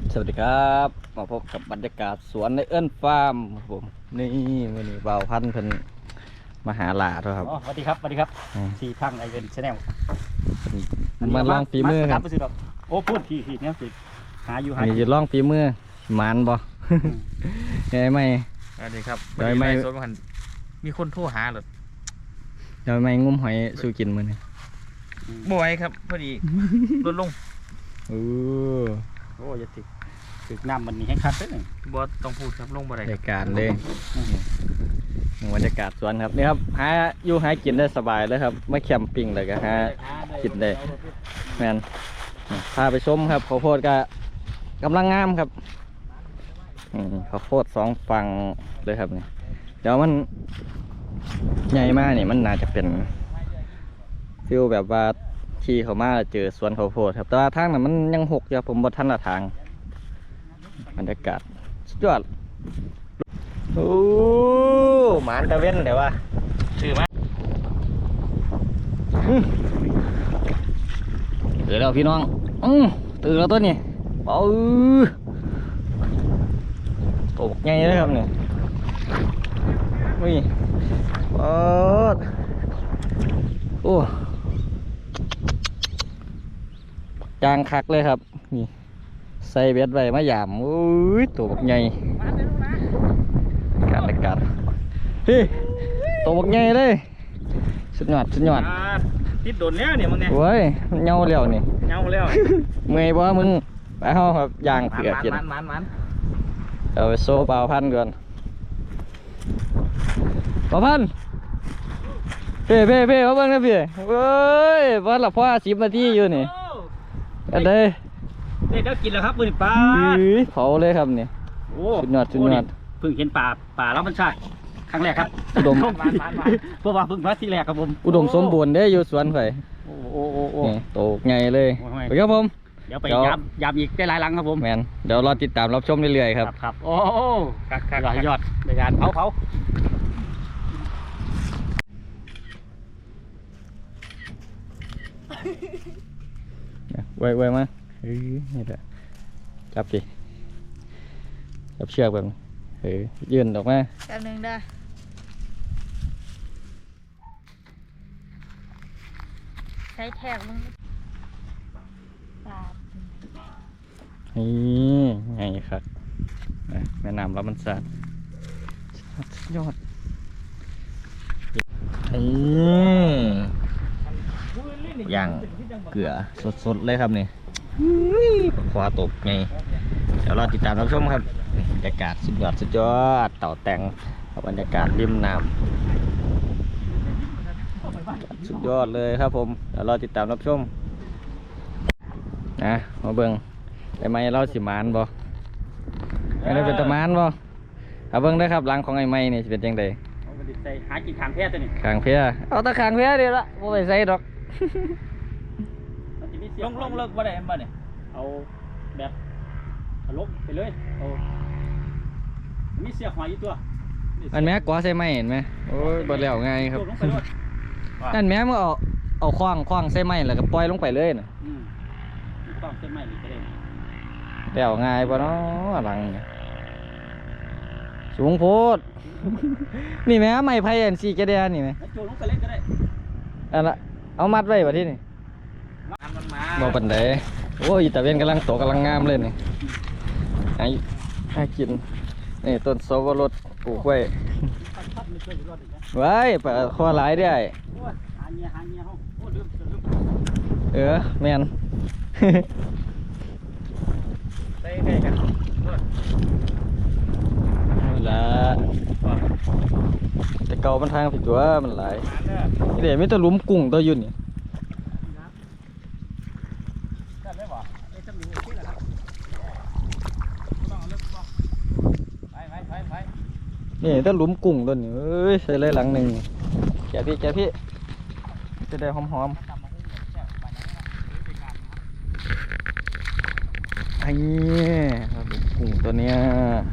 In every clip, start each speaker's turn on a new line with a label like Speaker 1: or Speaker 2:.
Speaker 1: สวัสดีครับมาพบกับบรรยากาศสวนในเอิ้นฟาร์มครับผมนี่วันนี้บ่าวพันธุ์เพิ่นมาหาหลาด้วยครับ
Speaker 2: อ๋อสวัสดีครับสวัสดีครับทีพังไอเวนชาแนล
Speaker 1: มาลองฝีมือครับ
Speaker 2: โอ้พูดทีเนี่ยสิหาอยู่หา
Speaker 1: นี่จะลองฝีมือหมานบ่ไงไหม
Speaker 3: สวัสดีครับ
Speaker 1: โดยไม่
Speaker 3: สวนมันมีคนโทรหาหรอ
Speaker 1: เดี๋ยวไม่งุ้มหอยสู้กินมื้อนี้
Speaker 3: บ่อยครับพอดีลดลง
Speaker 1: โอ้
Speaker 2: โอ้ยถึกน้ำมันนี่ให้คัดได้หนึ่ง
Speaker 3: บอต้องพูดครับลงบ่ได้
Speaker 1: บรรยากาศเลยบรรยากาศสวนครับนี่ครับหาอยู่หากินได้สบายเลยครับไม่แคมปิ้งเลยก็หา กินได้ แมนพาไปชมครับข้าวโพดก็กำลังงามครับข้าวโพด2ฝั่งเลยครับนี่เดี๋ยวมันใหญ่มากนี่มันน่าจะเป็นฟิลแบบว่าขี่เข้ามาเจอสวนข้าวโพดครับแต่ว่าทางนั้นมันยังหกอยู่ผมบนทันละทางบรรยากาศสุดยอดโอ้หมานตะเว้นเดี๋ยวว่า
Speaker 3: ชื่อมา
Speaker 1: ตื่นแล้วพี่น้องตื่นแล้วตัวนี้ตกไงเลยครับเนี่ยวิ่งโอ้จางคักเลยครับนี่ใส่เบ็ดไว้มาหยามโอ้ยตัวบักไงการอากาศเฮ้ยตัวบักไงเลยสุดยอด
Speaker 2: ติดโดนแล้วเนี่ยมึงเนี่ย
Speaker 1: โอ้ยเงาแล้วนี่
Speaker 2: เงาแล้ว
Speaker 1: เมื่อยบ่มึงไปเฮาครับย่างเผือกกิน
Speaker 3: มัน
Speaker 1: เอาไปโซ่เปล่าพันก่อนเปล่าพันเพ่มาเบิ่งนะพี่เว้ยวันละพ่อ10 นาทีอยู่นี่อันใด
Speaker 2: เด็กก็กินแล้วครับปืนปลา
Speaker 1: เผาเลยครับนี่
Speaker 2: โอ้
Speaker 1: สุดยอด
Speaker 2: เพิ่งเห็นป่าแล้วมันชาติครั้งแรกครับ
Speaker 1: อุดม
Speaker 2: เพราะว่าเพิ่งมาที่แรกครับผม
Speaker 1: อุดมสมบูรณ์เด้อยู่สวนข่อย
Speaker 2: โอ้
Speaker 1: นี่โตไงเลย
Speaker 2: โอ้ย
Speaker 1: ไปครับผม
Speaker 2: เดี๋ยวไปยามอีกได้หลายหลังครับผม
Speaker 1: แมนเดี๋ยวรอติดตามรับชมเรื่อยๆครับ
Speaker 2: ครับโอ้ยอดในการเผา
Speaker 1: ไว้มานี่แหละจับดิจับเชือกแบบนี้ยื่นออกมา
Speaker 4: แป๊บนึงได้ใช้แท็กมึงปาด
Speaker 1: นี่ไงครับแม่น้ำรับมันสาดสุดยอดย่างเกลือสดๆเลยครับนี่ขวาตกไงเดี๋ยวเราติดตามรับชมครับบรรยากาศสุดยอดเต่าแต่งบรรยากาศริมน้ำสุดยอดเลยครับผมเดี๋ยวเราติดตามรับชมนะมาเบิ่งได้ไหมเราสิมานบ่ไม่ได้เป็นตะมานบ่เอาเบิ่งได้ครับหลังของไอ้ไม้นี่สิเป็นจังได
Speaker 2: หากินทางแพทย์ตัวนี้
Speaker 1: ขางเพียเอาตะขางเพียเดียวละบ่ไปใส่ดอก
Speaker 2: ลงเลิกว่าได้มาเนี่ยเอาแบบลบไปเลยเอามีเสียหอยอยู่ตัว
Speaker 1: อันแม่กว่าใส่ไม้เห็นไหมโอ้ยบ่แล้วง่ายครับ
Speaker 2: ลงไปเลย
Speaker 1: นั่นแม่มึงเอาคว้างใส่ไม้แล้วก็ปล่อยลงไปเลยน่ะ
Speaker 2: ต้องเส้นไม้หรือไปเลย
Speaker 1: แล้วง่ายบ่เนาะหลังเนี่ยสูงโพด นี่แม่ไม้ไผ่อันสีกระเดียนี่แม่
Speaker 2: โจลงไปเล่นก็ได้
Speaker 1: อันละเอามัดไว้บ่ที่นี่
Speaker 2: มันมา
Speaker 1: บ่ปานใดโอ้ยตะเวนกำลังโตกำลังงามเลยนี่ให้กินนี่ต้นสวรสปลูกไว้ไว้ปลาคอหลายได้
Speaker 2: หาเงี้ยเขาโอ้ลืม
Speaker 1: แม่น
Speaker 2: ได้กัน
Speaker 1: ละแต่เก่ามันทางผิดตัวมันหลายนี่เดี๋ยวไม่ต้องลุ้มกุ้งตัวยุ่นนี่
Speaker 2: กันได้ป่ะไอ้จมูกที่ละครับต้องเลิกป่ะไป
Speaker 1: นี่ต้องลุ้มกุ้งตัวนี้เอ้ยใส่เลยหลังหนึ่งแกะพี่จะได้หอมไอ้กุ้งตัวเนี้ย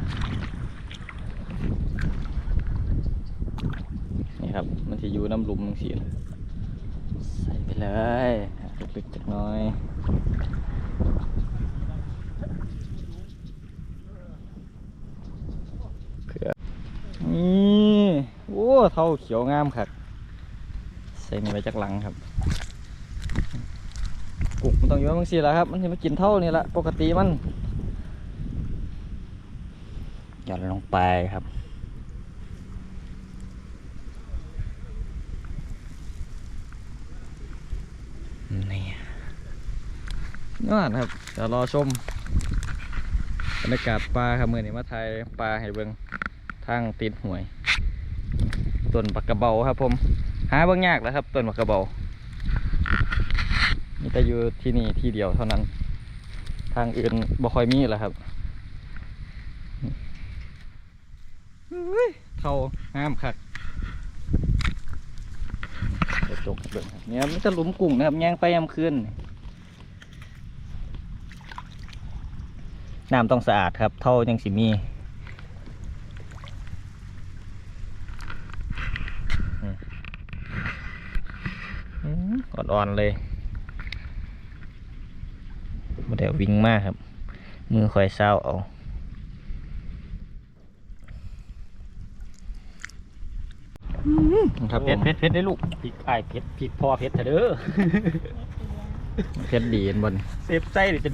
Speaker 1: นี่ครับมันจะอยู่น้ำลุมทั้งสี่ใส่ไปเลยลึกๆจักหน้อยท่าเขียวงามครับใส่นี่ไว้จากหลังครับกุกมันต้องอยู่บางทีแหละครับมันจะมากินเท่านี่แหละปกติมันหย่อนลงไปครับนี่ยอดครับเดี๋ยวรอชมบรรยากาศปลาครับมื่อนี้มาถ่ายปลาให้เบิ่งทางตีนห่วยต้นปักกระเบาครับผมหาเบิ่งยากแล้วครับต้นปักกระเบานี่แต่อยู่ที่นี่ที่เดียวเท่านั้นทางอื่นบ่ค่อยมีแล้วครับเท่าห้ามคักเดี๋ยวจกเบิ่งครับเนี่ยมันจะหลุมกุ้งนะครับย่างไปยามคืนน้ำต้องสะอาดครับเท่ายังสิมีอ่อนๆเลยมาเดี๋ยววิ่งมากครับมือคอยเศร้าเอาครับ
Speaker 2: เผ็ดได้ลูกพริกไอ้เผ็ดพริกพอเผ็ดเถอะเด้อ
Speaker 1: เผ็ดดีบน
Speaker 2: เซฟไส้เลยจน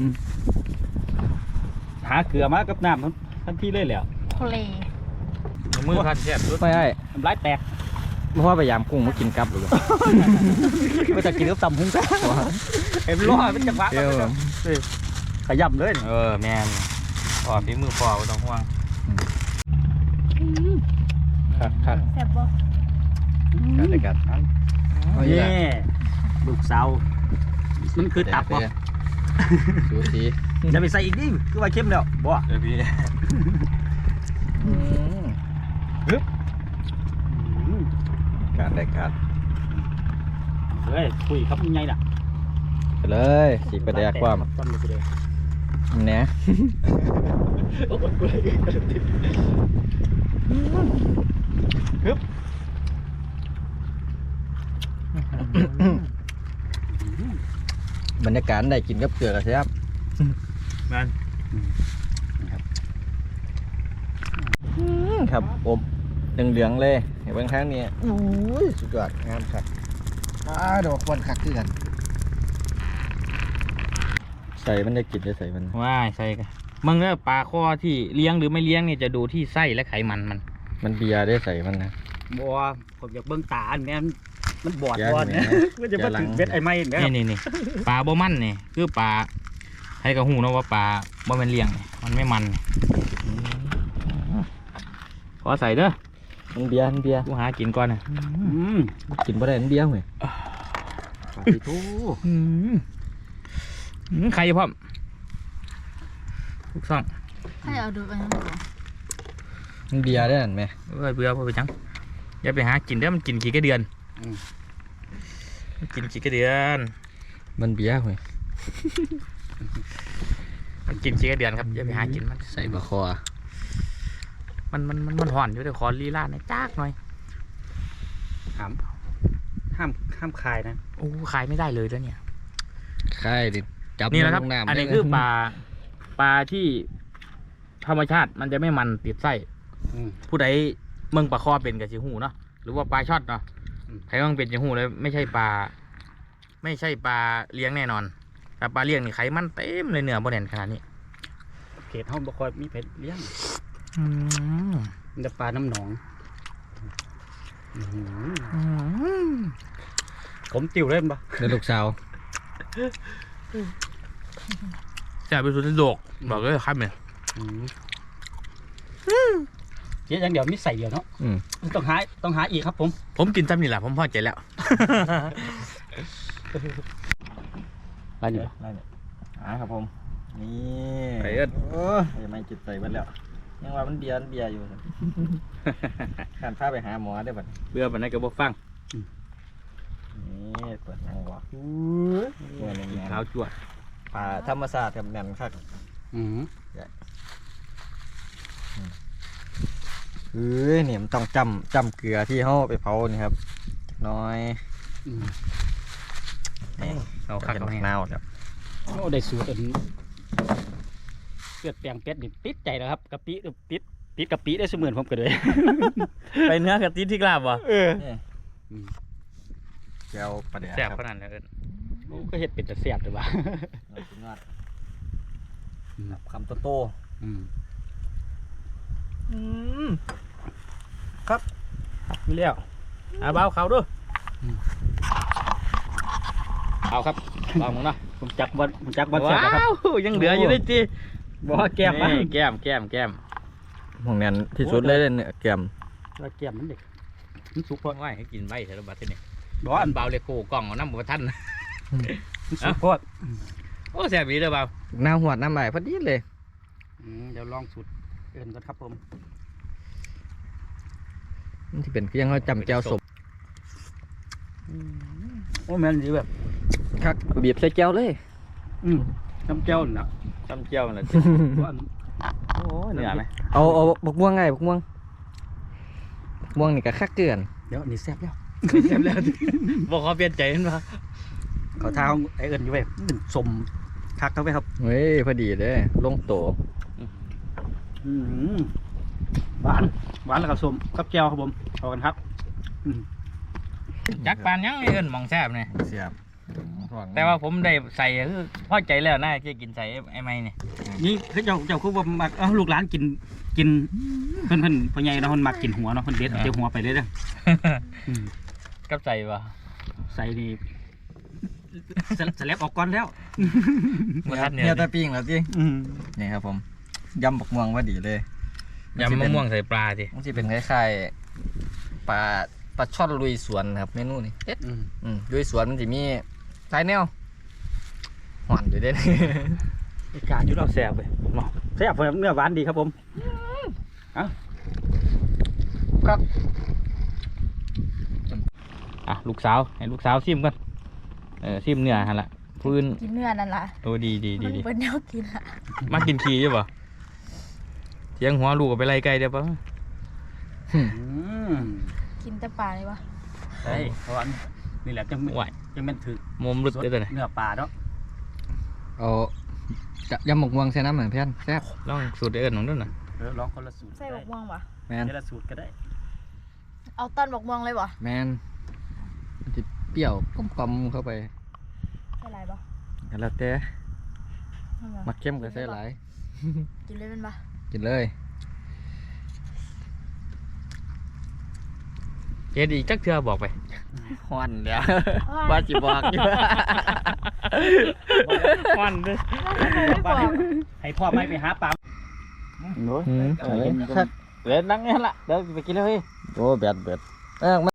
Speaker 2: หาเกลือมากับน้ำทันทีเลยแหละ
Speaker 4: ทะเล
Speaker 3: มือพันแซ่บสุด
Speaker 1: ไม่ให้
Speaker 2: น้ำลายแตก
Speaker 1: เพราะว่าพยายามกุ้งมากินกับหรือเปล่า
Speaker 2: ไม่จะกินกับตำหุ้งแซ่เอ็มร้อยเป็นจังหวะ
Speaker 1: เปรี้ยวครับ
Speaker 2: ขยำเลย
Speaker 3: แมนพอฝีมือพอบ่ต้องห่วง
Speaker 1: คัก
Speaker 4: แซ่บบ่
Speaker 1: กันเลยกันเอาอีก
Speaker 2: นี่
Speaker 1: แล้ว
Speaker 2: ลูกสาวมันคือตับบ่
Speaker 1: สูสี
Speaker 2: จะไปใส่อีกดิคือว่าเข้มแล้วบ่
Speaker 3: เดี๋ยวพี่
Speaker 1: การได้การ
Speaker 2: เฮ้ยคุยครับยังไงน่ะ
Speaker 1: ไปเลยสีประเดี๋ยวความ
Speaker 2: จำเลยไปเลย
Speaker 1: เนี่ย บรรยากาศได้กินกับเกลือกันใช่ครับ
Speaker 3: แมน
Speaker 1: ครับอบเหลืองๆเลยเห็นบางครั้งนี้อุ้ยสุดยอดงามครับดอกควันคักขึ้นกันใส่มันได้กินได้ใส่มัน
Speaker 3: ว่าใส่กันมึงเนี่ยปลาข้อที่เลี้ยงหรือไม่เลี้ยงเนี่ยจะดูที่ไส้และไขมันมัน
Speaker 1: มันเบียร์ได้ใส่มันนะ
Speaker 2: บ่ผมอยากเบิ่งตาอันแม่มันบอด
Speaker 1: อย่า
Speaker 2: บอด
Speaker 1: เห็น
Speaker 2: นะ
Speaker 1: ไหม
Speaker 2: มันจะมาถึงเบ็ดไอ้ไม้เนี่ย
Speaker 3: นี่ปลาบ่มันเนี่ยคือปลาให้กระหูเนาะว่าปลาบ่แมันเลี้ยงเนี่ยมันไม่มันขอใส่เด้อ
Speaker 1: มันเบียร์มันเบียร์
Speaker 3: กูหากินก่อนนะ
Speaker 1: กินบ่ได้มันเบียร์เว้ย
Speaker 2: ปาติโถ
Speaker 3: ใครพร้อมทุกซ่อง
Speaker 4: ให้เอาดูอันนั้นก่อน
Speaker 1: มันเบียร์ได้เห็นไหม
Speaker 3: เบื่อพอไปจังอย่าไปหากินเด้อมันกินกี่กระเดือนมันกินกี่กระเดือน
Speaker 1: มันเบียร์เว้ย
Speaker 3: มันกินกี่กระเดือนครับอย่าไปหากินมัน
Speaker 1: ใส่บะคอ
Speaker 3: มันห่อนอยู่แต่ขอลีลาในอยจ้ากหน่อย
Speaker 2: ห้ามคายนะ
Speaker 3: โอ้ขายไม่ได้เลยแล้วเนี่ย
Speaker 1: ค่ายดิจับ
Speaker 3: นี่นะครับ
Speaker 1: ลงำ
Speaker 3: อันนี้
Speaker 1: ได้
Speaker 3: คือปลาที่ธรรมชาติมันจะไม่มันติดไส้ ผู้ใดเมืองปลาคอเป็นกับจิหูเนาะหรือว่าปลาช็อตเนาะใครเมืองเป็นจิหูเลยไม่ใช่ปลาเลี้ยงแน่นอนแต่ปลาเลี้ยงนี่ไขมันเต็มเลยเนื้อบ่แน่นขนาดนี้
Speaker 2: เขตห้องบ่คอยมีเพชรเลี้ยงมันจะปลาน้ำหนองผมติวเล่นปะ
Speaker 1: เดี๋ยวลูกสาว
Speaker 3: จะไปสุดโดกบอกเลยครับเนี่ย
Speaker 2: เจ๊อย่างเดียวมีใส่เดียวเนาะต้องหาอีกครับผม
Speaker 3: ผมกินซ้ำนี่แหละผมพอใจแล้ว
Speaker 2: อะไรอยู่
Speaker 1: ได้เนี่ยครับผมนี่
Speaker 3: ไปเอิ้น
Speaker 1: โอ้ยไม่จิตใส่มันแล้วยังว่ามันเบียร์อยู่ขันพาไปหาหมอได้บัด
Speaker 2: เบื่อปานนั้นก็บ่ฟัง
Speaker 1: นี่เปิดหนังวะตัวนี้
Speaker 2: กินข้าวจั่ว
Speaker 1: ป่าธรรมศาสตร์ครับแน่นคักเนี่ยมันต้องจำเกลือที่เขาไปเผานี่ครับน้อย
Speaker 3: เอาคักเอาให้
Speaker 1: นาวครับ
Speaker 2: โอ้ได้สูตรอันเลือดแปลงเป็ดนี่ติดใจแล้วครับกะปิติดติดกับปีได้เสมือนผมก็เลย
Speaker 3: ไปเนื้อกับตีที่กลาบวะ
Speaker 1: แก้วปลาแดก
Speaker 3: แซ่บ
Speaker 1: ครับ
Speaker 3: ขนาดนั้นเอิ้น
Speaker 2: ก็เฮ็ดเป็นแต่แซ่บแต่ว่า
Speaker 1: สุดยอดครับคำโต
Speaker 3: ครับมีแล้วเบาเขาด้วยเอาครับเบามึงเนาะ
Speaker 2: ผมจักบอลแซ่บนะครับ
Speaker 3: ว้าวยังเหลืออยู่เลยจี
Speaker 2: บอกว่าแก้มนะ
Speaker 3: นี่แก้ม
Speaker 1: หมองแน่นที่สุดเลยเนี่ยแก้ม
Speaker 2: ว่าแก้มมันเด็กมันสุกพอ
Speaker 3: ว่าให้กินใบเถอะบัดทีนี้
Speaker 2: บอก
Speaker 3: อันเบาเลยโคกล่องเอาน้ำบัวท่าน
Speaker 2: มันสุกพอ
Speaker 3: โอ้แซ่บดีเลยเบา
Speaker 1: น้ำหวดน้ำใบพอดีเลย
Speaker 2: เดี๋ยวลองสูตรเอื่นก่อนครับผม
Speaker 1: มันที่เป็นก็ยังเราจำแก้วสม
Speaker 2: โอ้แม่นดีแบบ
Speaker 1: ครับบีบใส่แก้วเลย
Speaker 2: น้ำเจ้าน่ะ
Speaker 3: จำเจียวมันเลย
Speaker 2: โอ้
Speaker 3: เหนื่อยไหม
Speaker 1: เอาบักม่วงไงบักม่วงนี่ก็คักเกลือน
Speaker 2: เดี๋ยวนี่แซ่บแล้ว
Speaker 3: แซ่บแล้วบอกเขาเปลี่ยนใจเห็นปะ
Speaker 2: เขาท้าไอ้เอิญอยู่แบบเป็นสมคักเข้าไปครับ
Speaker 1: เฮ้ยพอดีเลยลงโต
Speaker 2: หวานแล้วกับสมกับแก้วครับผมเอากันครับ
Speaker 3: จักปานยังไงเอิ้นหมองแซ่บเนี่ย
Speaker 1: เสียบ
Speaker 3: แต่ว่าผมได้ใส่คือพอใจแล้วน่าจะกินใส่ไอ้ไม้เนี่ย
Speaker 2: นี่คือเจ้าคือว่ามักลูกหลานกินเพิ่นพ่อใหญ่เนาะเพิ่นมักกินหัวเนาะเพิ่นเด็ดเอาหัวไปเลยเด้อ
Speaker 3: กับใส่ปะ
Speaker 2: ใส่นี่สลับออกก่อนแล้ว
Speaker 3: บัวท่านเนี่ย
Speaker 1: เนี่ยตะปิ้งแล้วสินี่ครับผมยำบักม่วงว่าดีเลย
Speaker 3: ยำมะม่วงใส่ปลาสิ
Speaker 1: มันจะเป็นคล้ายๆปลาช่อนลุยสวนครับเมนูนี้เด็ดลุยสวนมันจะมีหลายแนวหวานอยู่เด้
Speaker 2: การอยู่เราแซ่บเลยเนาะแซ่บเนื้อหวานดีครับผม
Speaker 3: อ่ะลูกสาวให้ลูกสาวซิมกันซิมเนื้อฮะละพื้น
Speaker 4: กินเนื้อนั่นล่ะ
Speaker 3: โอ้ดี
Speaker 4: มันเป็นแนวกินล่ะ
Speaker 3: มากินขี้ใช่ปะเสียงหัวลูกก็ไปไล่ไก่เดี๋ยวปะ
Speaker 4: กินแต่ปลาเลยวะ
Speaker 2: ใช่เพราะว่านี่แหละจัง
Speaker 3: ไหว
Speaker 2: เป็นถือ
Speaker 3: มุมลึกเลยตัวนี้
Speaker 2: เนื้อปลาเนาะ
Speaker 1: เอายำบักม่วงใส่น้ำเหมือนเพื่อนแซ่บ
Speaker 3: ลองสูตรเอิญของด้วยนะ
Speaker 2: ลองคนละสูตร
Speaker 4: ใส่บกม่วงวะ
Speaker 1: แมน
Speaker 2: คนละสูตรก็ได้
Speaker 4: เอาต้นบกม่วงเลยวะ
Speaker 1: แมนมันจะเปรี้ยวกลมๆเข้าไป
Speaker 4: ใส่อะไรปะ
Speaker 1: แล้วแต่มักเข้มก็ใส่หลาย
Speaker 4: กินเลยเป็นปะ
Speaker 1: กินเลย
Speaker 3: เอ็ดอีกจักเทื่อบอกไป
Speaker 1: ฮอนเดี๋ยวว่าจิบอกอยู่
Speaker 3: วันเลย
Speaker 4: ไม่บอก
Speaker 2: ให้พ่อไม่ไปหาปลา
Speaker 1: คัก
Speaker 3: เล่นนั่งนี่ละเดี๋ยวไปกินเลย
Speaker 1: โอ้แบด